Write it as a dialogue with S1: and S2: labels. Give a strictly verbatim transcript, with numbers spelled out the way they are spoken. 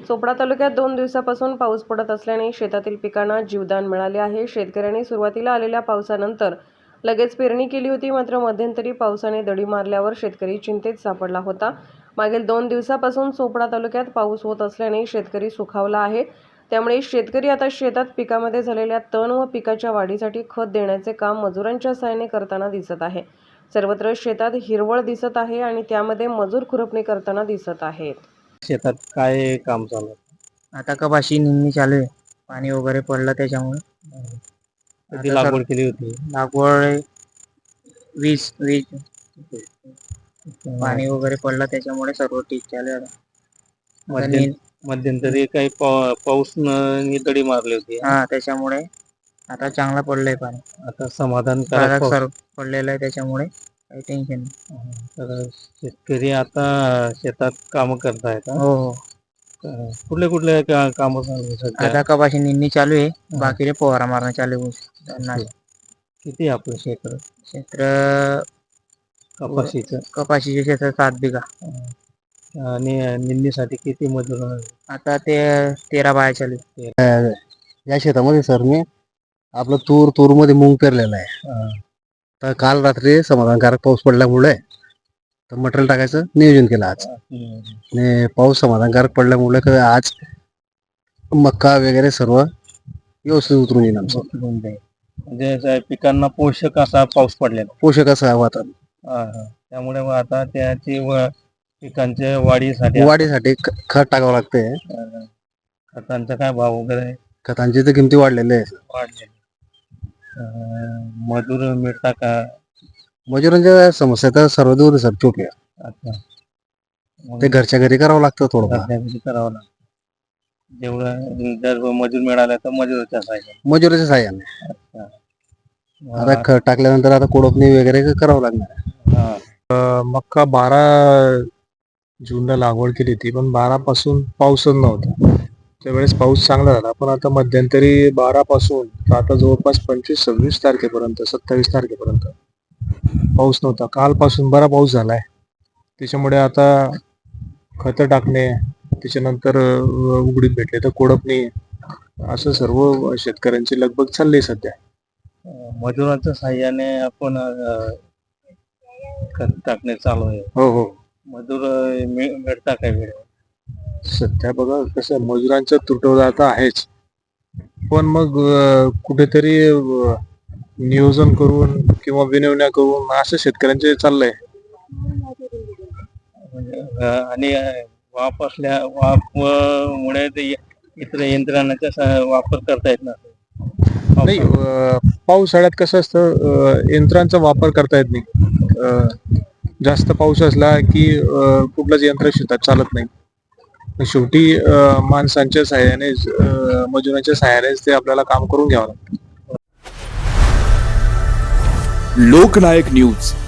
S1: चोपडा तालुक्यात दोन दिवसापासून पाऊस पडत असल्याने शेतातील पिकांना जीवदान मिळाले आहे। शेतकऱ्यांनी सुरुवातीला आलेल्या पावसानंतर लगेच पेरणी केली होती, मात्र मध्यंतरी पावसाने दडी मारल्यावर शेतकरी चिंतेत सापडला होता। मागील दोन दिवसापासून चोपडा तालुक्यात पाऊस होत असल्याने शेतकरी सुखावला आहे। त्यामुळे शेतकरी आता शेतात पिकामध्ये झालेल्या तण व पिकाच्या वाढीसाठी खत देण्याचे काम मजुरांच्या सहाय्याने करताना दिसत आहे। सर्वत्र शेतात हिरवळ दिसत आहे आणि त्यामध्ये मजूर खुरपणी करताना दिसत आहेत।
S2: शेतात काय काम चालू आहे?
S3: आता कपाशी निंदणी चालू आहे, पाणी वगैरे पडलं त्याच्यामुळे।
S2: कधी
S3: आता
S2: लागवड
S3: सर
S2: केली होती?
S3: लागवड वीस वीस पाणी वगैरे पडलं त्याच्यामुळे सर्व ठीक चालू आहे आता। आता
S2: मध्यं
S3: नी-
S2: मध्यंतरी काही पा- पाऊस न दडी मारली होती,
S3: हा त्याच्यामुळे आता चांगला पडलंय पाणी,
S2: आता समाधानकारक
S3: बागात
S2: पाऊस.
S3: सर पडलेलं आहे त्याच्यामुळे काही टेन्शन नाही।
S2: तर शेतकरी आता शेतात काम करतायत हा?
S3: हो हो
S2: अं, कुठले कुठले काम चालू आहे सध्या?
S3: आता कपाशी निंदणी चालू आहे, बाकीचे फवारा मारणं चालू आहे।
S2: किती आहे आपलं क्षेत्र
S3: क्षेत्र
S2: कपाशीचं?
S3: कपाशीचे क्षेत्र सात बिघा
S2: आणि निंदणीसाठी किती मजूर आहे?
S3: आता ते तेरा बाया चालू आहे।
S4: या शेतामध्ये सर मी आपलं तूर तूर मध्ये मूग पेरलेला आहे। तर काल रात्री समाधानकारक पाऊस पडल्यामुळे तर मटेरियल टाकायचं नियोजन केलं आज। आणि पाऊस समाधानकारक पडल्यामुळे क- आज मक्का वगैरे सर्व व्यवस्थित उतरून येईल आमचं।
S2: म्हणजे असं पिकांना पोषक असा पाऊस पडलेला.
S4: पोषक असं आहे वातावरण।
S2: हा, हा. त्यामुळे मग आता त्याची व- पिकांच्या वाढीसाठी
S4: वाढीसाठी ख- खत टाकावं लागते।
S2: अं, खतांचा काय भाव वगैरे
S4: खतांची तर किमती वाढलेल्या आहे।
S2: वाढले? अं, मजूर मिळता का?
S4: मजुरांच्या समस्या तर सर्व दूर सर चोपल्या,
S2: अच्छा. मग
S4: ते घरच्या घरी करावं लागतं थोडं।
S2: घरच्या घरी करावं लागतं. जेवढं जर मजूर मिळाला तर मजुराच्या साहाय्याने.
S4: मजुराच्या साह्याने
S2: अच्छा.
S4: आता खत टाकल्यानंतर आता कोळपणी वगैरे करावं लागणार।
S2: हा.
S5: मक्का बारा जूनला लागवड केली होती, पण बारा पासून पाऊसच नव्हता। त्यावेळेस पाऊस चांगला झाला, पण आता मध्यंतरी बारा पासून तर आता जवळपास पंचवीस सव्वीस तारखेपर्यंत सत्तावीस तारखेपर्यंत पाऊस नव्हता। कालपासून बरा पाऊस झालाय, त्याच्यामुळे आता खतं टाकणे, त्याच्यानंतर अं, उघडीत भेटले तर कोळपणी, असं सर्व शेतकऱ्यांची लगबग चालली सध्या।
S2: अं, मजुरांच्या साहाय्याने आपण अं, खत टाकणे चालू आहे।
S4: हो हो
S2: मजूर अं, मिळ- मिळता काय वेळ?
S5: सध्या बघा कसं मजुरांचा तुटवडा आता आहेच, पण मग अं, कुठेतरी अं, नियोजन करून किंवा विनवण्या करून असं शेतकऱ्यांचे चाललंय।
S2: म्हणजे अं, आणि अं, वाप असल्या वाप मुळे ते इतर यंत्रणाचा स- वापर करता येत नसेल.
S5: नाही, अं, पावसाळ्यात कसं असतं, अं, यंत्रांचा वापर करता येत नाही। अं, जास्त पाऊस असला की अं, कुठलंच यंत्र शेतात चालत नाही। शेवटी अं, माणसांच्या सहाय्यानेच अं, मजुरांच्या सहाय्यानेच ते आपल्याला काम करून घ्यावं लागतं।
S6: लोकनायक न्यूज